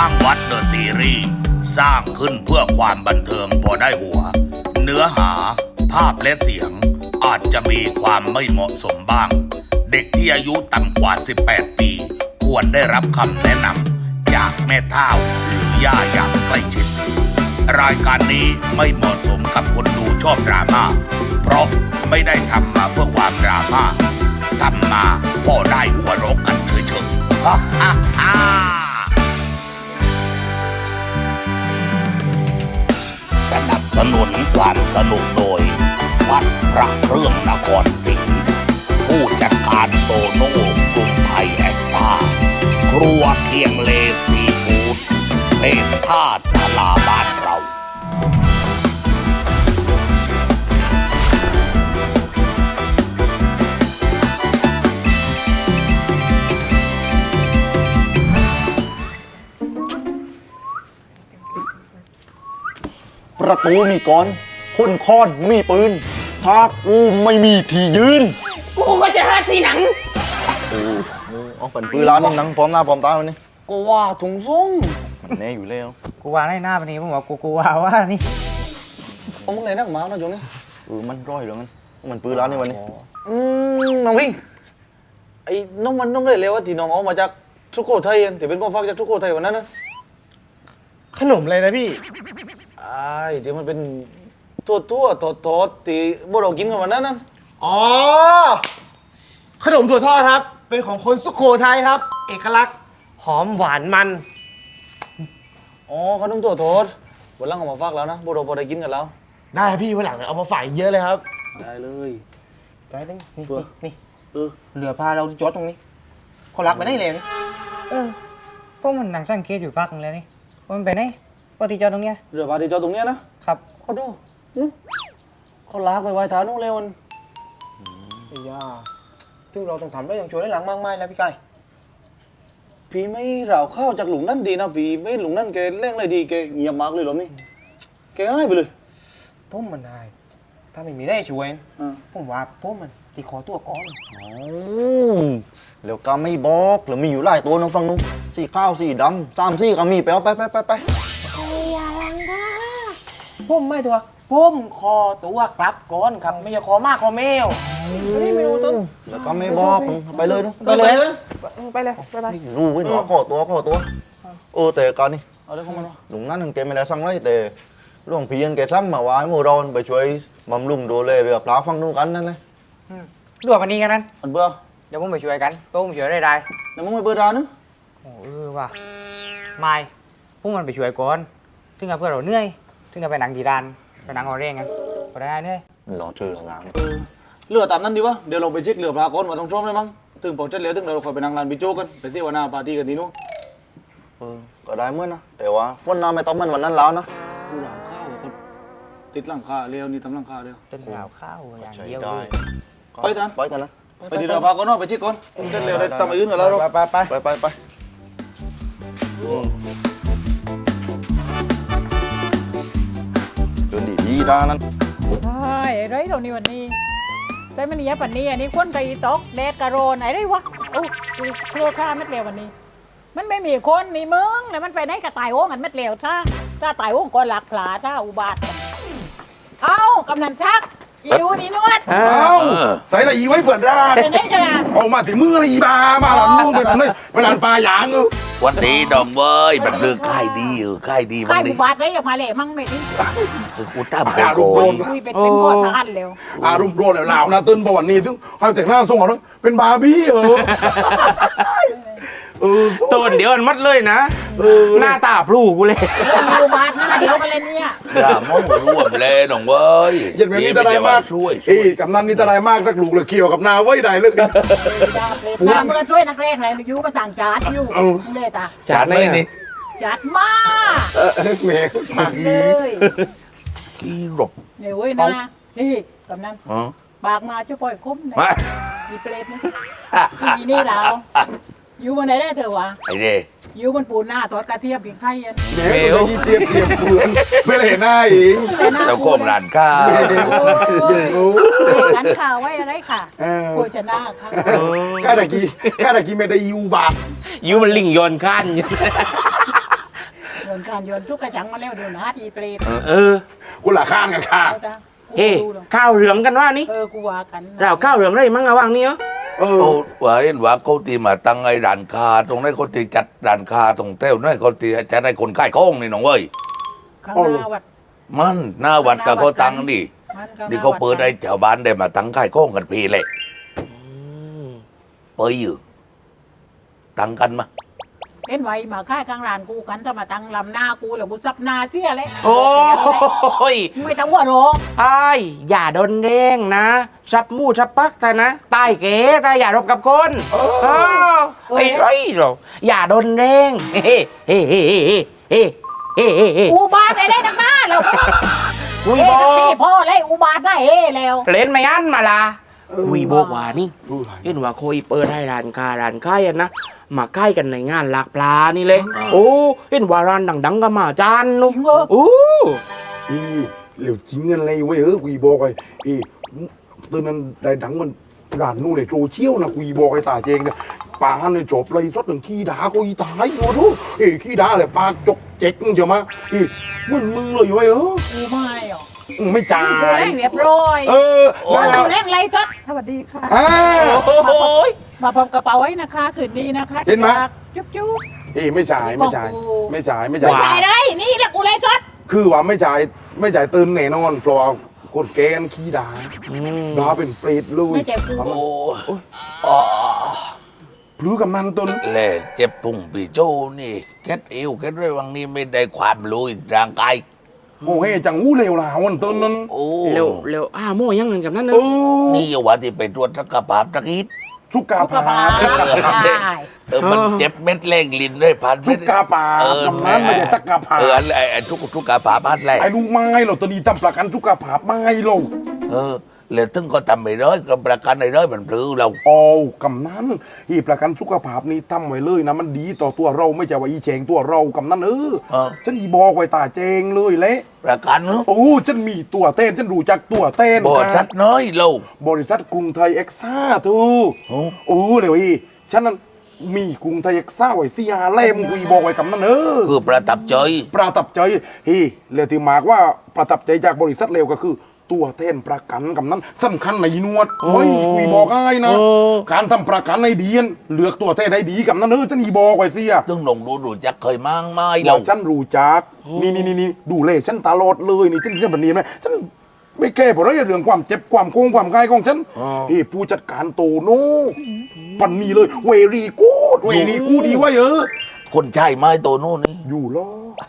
างวัดเดอะซีรีส์สร้างขึ้นเพื่อความบันเทิงพอได้หัว เนื้อหาภาพและเสียงอาจจะมีความไม่เหมาะสมบ้าง เด็กที่อายุต่ำกว่า 18 ปี ควรได้รับคำแนะนำจากแม่เฒ่าหรือย่าอย่างใกล้ชิด รายการนี้ไม่เหมาะสมกับคนดูชอบดราม่าเพราะไม่ได้ทำมาเพื่อความดราม่าทำมาพอได้หัวเราะกันเฉยๆฮ่าฮ่าฮ่าสนับสนุนความสนุกโดยวัดพระเครื่องนครศรีผู้จัดการโตโน่กรุงไทยแอนซ่าครัวเคียงเลซีฟู้ดเพจท่าศาลาบ้านเราประตูมีกรคนค้อนมีปืนถ้ากูไม่มีที่ยืนกูก็จะหาที่หนังเอาเป็นปืนร้านหนังพร้อมหน้าพร้อมตาวันนี้กูว่าถุงส่งแน่อยู่แล้วกูว่าในหน้าวันนี้ผมบอกกูว่านี่ผมมึงเลยนักหมานะโยงนี่มันร้อยเหลือมันปืนร้านนี่วันนี้น้องพิงไอ้น้องมันน้องเลยเร็วว่าที่น้องเอามาจากสุโขทัยที่เป็นพ่อฟักจากสุโขทัยวันนั้นนะขนมเลยนะพี่ไอ้ที่มันเป็นตัวทอดที่พวกเรากินกันวันนั้นนั่นอ๋อขนมถั่วทอดครับเป็นของคนสุโขทัยครับเอกลักษณ์หอมหวานมันอ๋อขนมตัวทอดวันหลังเอามาฟักแล้วนะพวกเราพอได้กินกันแล้วได้พี่วันหลังเอามาฝากเยอะเลยครับได้เลยได้นี่เหลือพาเราจอดตรงนี้เขารักไปได้เลยนี่พวกมันนั่งสังเกตอยู่พักนึงแล้วนี่มันไปไหนปกติจอดตรงเนี้ยเรือพาที่จอดตรงเนี้ยนะครับเขาดูเขาลากไปไว้ท้านู้นเลยมันไอ้ย่าซึ่งเราต้องทำได้อย่างช่วยได้หลังมากมายแล้วพี่ไก่พี่ไม่เราเข้าจากหลุมนั่นดีนะพี่ไม่หลุมนั่นแกเล่งอะไรดีแกเงียบมากเลยหรอนี่แกง่ายไปเลยผมมันได้ถ้าไม่มีได้ช่วยผมว่าผมมันตีขอตัวก้อนแล้วก็ไม่บอกแล้วมีอยู่หลายตัวน้องฟังนู้นสีข้าวสีดำ3 4ก็มีไปเอาไปผมไม่ตัวผมขอตัวกลับก่อนครับไม่ใช่ขอมากขอแมวนี่ไม่รู้ต้นแล้วก็ไม่บอกไปเลยนะไปเลยรู้ไว้หนอขอตัวแต่ก่อนนี่เอาได้ของมันวะหลวงนั่นแกไม่ได้สั่งไรแต่หลวงพี่ยันแกสั่งมาไว้โมดอนไปช่วยบำรุงดูแลเรือปลาฟังนู้นกันนั่นเลยรวมวันนี้กันนั้นมันเบื่อเดี๋ยวผมไปช่วยกันผมช่วยได้เดี๋ยวมึงไปเบื่อร้านนึงว่ะไม่พวกมันไปช่วยก่อนถึงกับเพื่อนเราเหนื่อยถึงกับไปหนังดีดานไปหนังออเร่งกันพอได้เหนื่อยรอชื่อร้านเรือตามนั้นดีวะเดี๋ยวเราไปเช็คเรือปลาก่อนว่าต้องชมเลยมั้งถึงพอเช็คแล้วถึงเราคอยไปนั่งร้านบิโจ้กันไปเสวนาปาร์ตี้กันทีนู้นก็ได้เมื่อนะแต่ว่าฝนน้ำไม่ต้องมันวันนั้นแล้วนะกูหลังข้าวคนติดหลังคาเร็วนี่ทำหลังคาเร็วเป็นหลังข้าวอย่างเดียวไปกันนะไปที่เรือปลาก่อนเนาะไปเช็คก่อนเช็คเร็วเลยทำอะไรอื่นกันแล้วไปเดินดีด้านั้นใช่ไรเรานี่วันนี้ใช่มันนี่ปันนี้อันนี้คนไก่ตกแดดกระโรนอะไรวะโอ้เครือข่าเม็ดเร็ววันนี้มันไม่มีคนมีมึงแต่มันไปไหนกระต่ายโอ่งกันเม็ดเร็วถ้าตายโอ่งก็หลักผลาถ้าอุบาทเอากำนันชักอีดูนี่นวดใส่ละอีไว้เปิดร้านเป็นไงกันล่ะออกมาถึงมือละอีบามาหลังนู่นไปหลังนี่ไปหลังปลาหยางวันนี้ดองเว้ยมันเรื่องค่ายดีค่ายดีวันนี้อุบาทได้ยังมาเลยมั่งไม่ดีอุตตามโกยเป็นข้อทานเร็วอารมณ์โดนแล้วลาวนะตื่นประวันนี้ถึงให้แต่งหน้าทรงของเป็นบาร์บี้ต้นเดี๋ยวมันมัดเลยนะหน้าตาพลูกูเลยอุบาทหน้าเดียวกันเลยเนี่ยอย่ามองร่วมเลยน้องเว้ยยันแบบนี้ตะไดมากช่วยกำนันนี่ตะไดมากนักลูกเลยเกี่ยวกับนาไว้ได้เลยน้ำมันช่วยนักเรียนอะไรอยู่มาสั่งจัดอยู่เลยตาจัดไหนนี่จัดมากแม่เลยกี่รบเนี่ยเว้ยนะนี่กำนันปากมาช่วยปล่อยคุ้มเลยมีเปรตนี่นี่เราอยู่บนไหนได้เถอะวะไอ้เด้อยู่บนปูนหน้าทอดกระเทียมเพียงไข่เมลเตรียมปูนไม่เห็นหน้าเองเจ้าโคมร้านข้าวร้านข้าวไว้อะไรค่ะโภชนาค่ะข้าตะกี้ไม่ได้ยูบาทยูมันลิงโยนขั้นนการโยนทุกกระชังมาแล้วเดี๋ยวนะอีเปรตเออกูละข้านกันค่ะเอาจ้ะเฮ้ข้าวเหลืองกันว่านี่กูว่ากันเราข้าวเหลืองไรมั้งระหว่างนี้เหรอเออเขาว่าเห็นว่าเขาตีมาตั้งไอ้ร้านค้าตรงนั้นเขาตีจัดร้านค้าตรงเต้วนั่นเขาตีจะได้คนขายของนี่น้องเว้ยข้างหน้าวัดมันหน้าวัดกับเขาตั้งนี่มันข้งหนี่เขาเปิดให้ชาวบ้านได้มาตั้งขายของกันพีเลยเปิดอยู่ตั้งกันมาเล่นไว้มาค่ายกลางลานกูกันจะมาตั้งลำหน้ากูแล้วกูซับหน้าเสียเลยโอ้ยไม่ต้องว่าหรอกไอ้ายอย่าโดนเร่งนะชับมู่ชับปักแต่นะตายเก๋แต่อย่ารบกับคนไอ้ไรหรออย่าโดนเร่งเฮ้เฮ้เฮ้เฮ้เฮ้เฮ้เฮ้เฮ้อุบาทไปได้นักหน้าแล้วคุยเฮ้บอทั้งพี่พ่อเลยอุบาทได้เฮ้แล้วเล่นไม่อันมาละคุยบอกว่านี่รู้ไรเห็นว่าโคยเปิดให้ร้านค้าร้านค้ายอะนะมาใกล้กันในงานหลากปลานี่เลยโอ้เห็นว่าร้านดังๆก็มาจานนู้โอ้อีเหลวจริงอะไรเว้ยกูบอกไอ้อีตอนนั้นได้ดังมันร้านนู่นในโซเชียลนะกูบอกไอ้ตาเจงเนี่ยปาเนี่ยจบเลยสดหนึ่งขี้ด่ากูอีตายหมดทุกขี้ด่าเลยปากจกเจ๊กมึงเจ้ามามึงเลยเว้ยกูไม่หรอกไม่จ่ากูยเล่นเรียบร้อยมาแล้วเล่นอะไรจ๊ะสวัสดีค่ะโอ้ยมาพบกระเป๋าไว้นะคะคืนนี้นะคะเห็นไหมจุ๊บจุ๊บไม่จ่ายไม่จ่ายไม่จ่ายไม่จ่ายไม่ใช่ได้นี่แหละกูเลยจ๊ดคือว่าไม่จ่ายตื่นแน่นอนเพราะคนแกนขี้ด่าด่าเป็นเปรตเลยไม่ใช่กูโอ้พลื้อกำนันต้นแหล่เจ็บปุ่งปีโจ้นี่แคทเอวแคทเรื่องนี้ไม่ได้ความรู้อีกร่างกายโอ้เฮจังอู้เลวหลาวันต้นนั้นโอ้เร็วโม่ยังเงินกับนั่นเนเออะอนี่ว่าที่ไปตรวจสุขภาพตะกี้สุกากูกระผาเป๋าได้มันเจ็บเม็ดเล่งลิ้นด้วยพันสุกาผากำนันไม่ใช่สักกาผาไอ้ทุกกาผาพันแหละไอ้ลูกไม้เราตอนนี้ทำประกันสุกาผาไม้เราแล้วถึงก็ทำไม่ได้ก็ประกันไม่ได้มันพลื้อเราโอ้กำนันอีประกันสุขภาพนี่ทำไว้เลยนะมันดีต่อตัวเราไม่ใช่ว่าอีเจงตัวเรากำนันฉันอีบอกไว้ตาเจงเลยเละประกันเนอะโอ้ฉันมีตัวเต้นฉันรู้จักตัวเต้นบอดชัดน้อยเราบริษัทกรุงไทยเอ็กซ่าทูโอ้เลยอีฉันนั้นมีกรุงไทยเอ็กซ่าไว้4-5 เล่มกูอีบอกไว้กำนันคือประทับใจประทับใจเฮ้เรื่องที่มากว่าประทับใจจากบริษัทเร็วก็คือ ตัวแทนประกันกำนั้นสำคัญในนวดเฮ้ยคุยบอกง่ายนะการทำประกันในดีนเลือกตัวแทนให้ดีกำนั้นฉันอีบอกไว้เสียตึงหลงดูจักเคยมั่งไม่เราเราฉันรู้จักนี่ดูเลยฉันตลอดเลยนี่ฉันแบบนี้ไหมฉันไม่แก้เพราะเรื่องความเจ็บความโกงความง่ายของฉันผู้จัดการโตโน่ปันนี้เลยเวรีกูดดีไว้คนใช่ไม้โตโน่นนี่อยู่รอ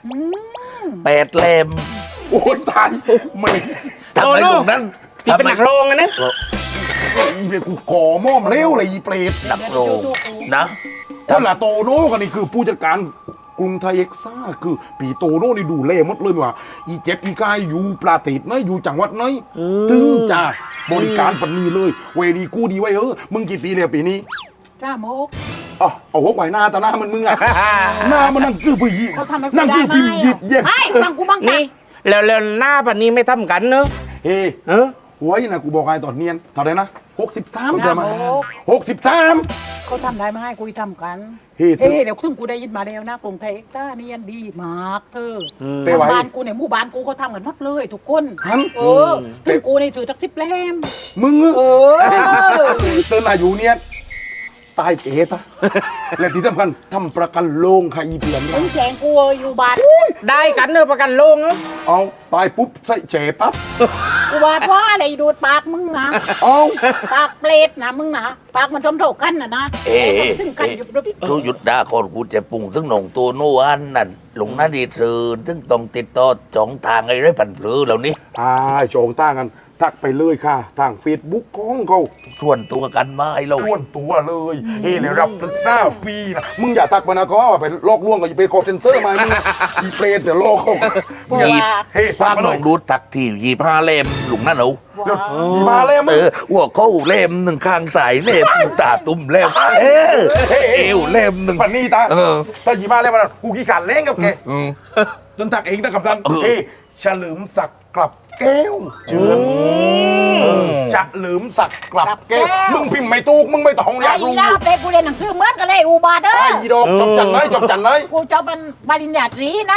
8 เล่มโอ้ยตายไม่ทำไมตรงนั้นที่เป็นหนักโรงอะนะอีเปรตกูขอมอบเร็วเลยอีเปรตนักโรงนะคนละโตโน่กันนี่คือผู้จัดการกรุงไทยเอ็กซ่าคือปีโตโน่นี่ดูเล่หมดเลยว่าอีเจ็บอีกายอยู่ประเทศไหนอยู่จังหวัดไหนถึงจะบริการปันนี้เลยเวรีกูดีไว้มึงกี่ปีเนี่ยปีนี้จ้าโมกอ๋อเอาหัวไหวหน้าตาหน้ามันมึงอะหน้ามันนั่งคือผู้หญิงเขาทำให้กูนั่งได้คือไหมพิมพ์หยิบเย็บไม่บังกูบังนี่แล้วหน้าปันนี้ไม่ทำกันเนอะเฮ้เออหัวยังนะกูบอกไงตอนเนียนเท่าไหร่นะ63 จ้าใช่ไหมโมก 63 เขาทำได้ไหมกูทำกันเฮ้เฮ้เดี๋ยวซึ่งกูได้ยินมาแล้วนะกรุงไทยเอ็กซ์ต้านี่ยันดีมากเธอไปไว้บ้านกูเนี่ยหมู่บ้านกูเขาทำกันหมดเลยทุกคนฮันถึงกูนี่ถือจัก10 เล่มมึงเออเตือนอายุเนี่ยตายเอ๋ตะและที่สำคัญทำประกันโลงค่ะอีเพียนมึงแฉงกูอยู่บ้านได้กันเนอะประกันโลงเนอะเอาตายปุ๊บใส่แฉปั๊บกูบาดว่าอะไรดูดปากมึงนะเอาปากเปรตนะมึงนะปากมันทมโถกันนะถึงกันหยุดรึทุยุดดาคนกูจะปุ่งถึงหนองตัวโน่อันนั่นหลงนั่นดีเธอถึงต้องติดต่อ2 ทางไอ้ไรผันพลือเหล่านี้โจงตั้งกันทักไปเลยค่ะ ทาง Facebook ของเขาส่วนตัวกันมาไอ้เราชวนตัวเลยเฮ้ยรับปรึกษาฟรีนะมึงอย่าทักไปนะก็ว่าไปลอกลวงกับอีเปรตคอร์เซนเตอร์มามึงอีเปรตเดี๋ยวลอกเขาเพราะหยิบว่าเฮ้ยสร้าฟังงหนเลอย งดูตักที่25 เล่มหลุงนั่นเอามีมาแล้วมึงหัวเข้าเล่มหนึ่งข้างสายเล่มตาตุ่มเล่มเอวเล่มหนึ่งปันนี่ตาเออถ้าหยิบมาแล้วมันกูขี้ขาดเล่งกับแกอืมจนทักเองตั้งกับทันเออเฮ้ยเฉลิมศักดิ์กลับแก้วจะลืมสักกลับแก้วมึงพิมพ์ไม่ถูกมึงไม่ต้องอยากไอ้รู้ดาวเปกูเรียนหนังสือเหมือนกันเลยอุบาทเด้อไอ้ดอกจบจันไหนจบจันไหนกูจะเป็นปริญญาตรีนะ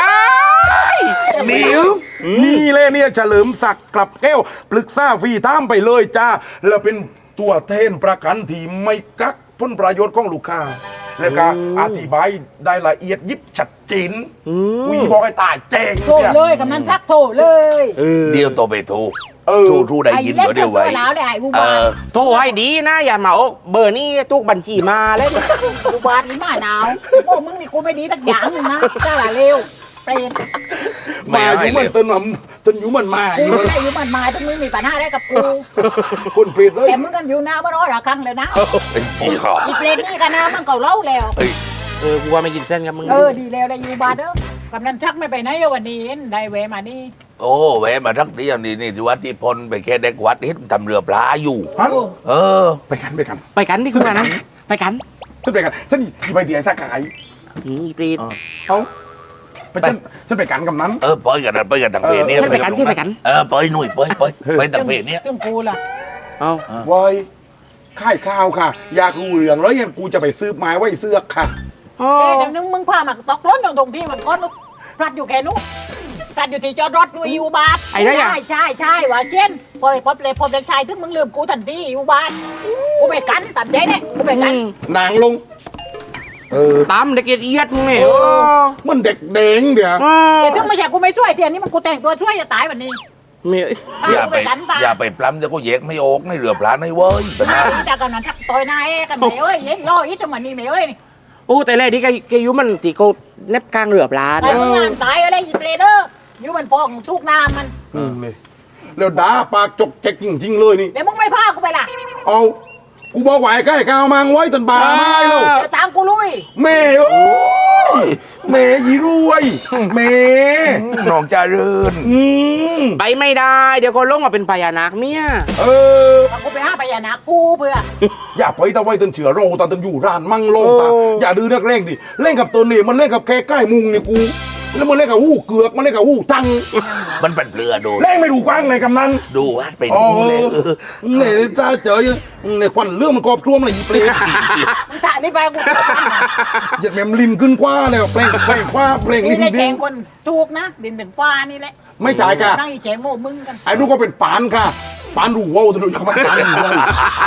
นี่เลยเนี่ยเฉลิมศักดิ์กลับแก้วปรึกษาฟรีท่ามไปเลยจ้าแล้วเป็นตัวแทนประกันที่ไม่กักผลประโยชน์ของลูกค้า แล้วก็อธิบายได้ละเอียดยิบชัดเจนวีบอกให้ตายแจ้งโทรเนี่ยเลยกำนันทักโทรเลยเดี๋ยวโตไปโทรเออโทรได้ยินเดี๋ยวไว้ไอ้เล็กตัวแล้วเลยไอ้อุเอบาทอโทรให้ดีนะ อย่ามาโอ้เบอร์นี้ทุกบัญชีมาเลยอุบาทนี่มาหนาวโอ้มึงนี่กูไม่ดีสักอย่างนึงนะจ้าละเร็วเปรตมาอยู่เหมือนต้นมันต้นอยู่เหมือนมาอกูยู่ไม่ได้อยู่มันมาต้องมึงมีปัญหาอะไรกับกูคนเปรตเลยแต่มึงกันอยู่หน้าบ้านอ้อยระคังเลยนะเป็นพี่ขออีเปรตนี่กันนะมันเก่าเล่าแล้วกูว่าไม่กินเส้นกับมึงดีแล้วเลยอยู่บ้านเด้อกำนันทักไม่ไปไหนวันนี้เห็นได้แวะมานี่โอ้แวะมาทักเดียวนี่ที่วัดที่พลไปแค่เด็กวัดเห็นทำเรือปลาอยู่ฮันเออไปกันไปกันที่คุณมานะไปกันฉันไปกันฉันไปเดียสักขายอีปรีดเอาไปฉันไปกันกับนั้นเออไปกันนะไปกันทางเพจนี้ขึ้นไปกันขึ้นไปกันเออไปหนุ่ยไปทางเพจนี้ซึ่งกูล่ะเอาวายค่ายข้าวค่ะ อยากรู้เรื่องแล้วยังกูจะไปซื้อไม้ไว้เสื้อค่ะแต่นึงมึงพามาตกรถตรงที่มันก้อนพลัดอยู่แค่นู้นพลัดอยู่ที่จอดรถด้วยอยู่บ้านใช่ว่าเช่นพอพบเด็กชายถึงมึงลืมกูทันทีอยู่บ้านกูไปกันตัดใจเนี่ยกูไปกันนางลงตามเด็กเอียดมึงเนี่ยมันเด็กเด้งเดี๋ยวแต่ถึงไม่ใช่กูไม่ช่วยเทียนนี่มันกูแต่งตัวช่วยจะตายวันนี้อย่าไปปล้ำจะก็แยกไม่ออกในเรือปลาในเว้ยเป็นไงแต่กันนั้นทักต่อยนายกันไหนเอ้ยเย็นรออีจังหวะนี้ไหมเอ้ยโอ้แต่แรกที่แกยุมันตีโกเน็บกลางเรือปลาตายมึงงานตายอะไรหยิบเลยเด้ออยู่มันพองทุกน้ำมันเลยแล้วด่าปากจกเจ๊กจริงๆเลยนี่เดี๋ยวมึงไม่พากูไปล่ะเอากูบอกไหวใกล้ข้าวมังไว้ตันบาไม่หรอกเดี๋ยวตามกูลุยแม่โอ้ยแม่ยีรวยแม่น้องจารืนไปไม่ได้ เดี๋ยวก็ลงมาเป็นพญานาคเมียเออเอากูไปหาพญานาคกูเพื่ออย่าไปตะไว้ตันเฉือโรตาตันอยู่ร้านมั่งลงตาอย่าดื้อนักเร่งดิเล่นกับตัวนี่มันเล่นกับแค่ใกล้มุงนี่กู แล้วมันเล่นกับหู้เกือกมันเล่นกับหู้ตังมันเป็นเรือดูเล่นไม่ดูกว้างเลยกำนันดูว่าเป็นอ๋อเลยเนี่ยตาเจอเนี่ยควันเรื่องมันกรอบท่วมเลยอีเปลมึงถ่ายนี่ไปกูเหยียดแมมลินขึ้นกว่าเลยเปล่งกว่าเปล่งนี่ลินในแจดิ้งงคนถูกนะดินเป็นฟ้านี่แหละไม่จ่ายค่ะนั่งอีแจงโม่มึงกันไอ้นู่นก็เป็นปานค่ะปานรูว่าวตัวดูจากมันปานอยู่เลย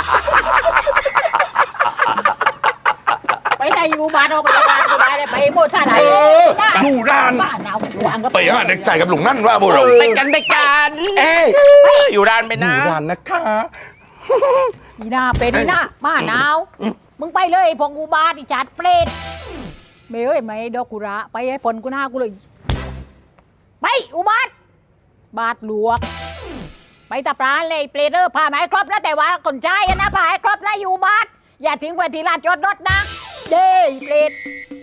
ไปได้อยู่บ้านเอาไปบ้านกูได้เลยไปโม่ท่าไหนอยู่ร้านบ้านเอาวางกับไปหาเด็กชายกับหลวงนั่นว่าพวกเราไปกันอยู่ร้านไปอนะยู่ร้านนะคะอีหน้าเป็นอีหน้าบ้านเอามึงไปเลยพงกูบ้านอีจัดเปรตเมย์เอ้ยไม่ดอกกุระไปให้ผลกูหน้ากูเลยไปอุบาทบาทหลวกไปตะปราเลยเปรตพามาให้ครบแล้วแต่ว่าคนใจนะพาให้ครบแล้วอยู่บ้านอย่าทิ้งไว้ที่ลานจอดรถนะเด้เปรต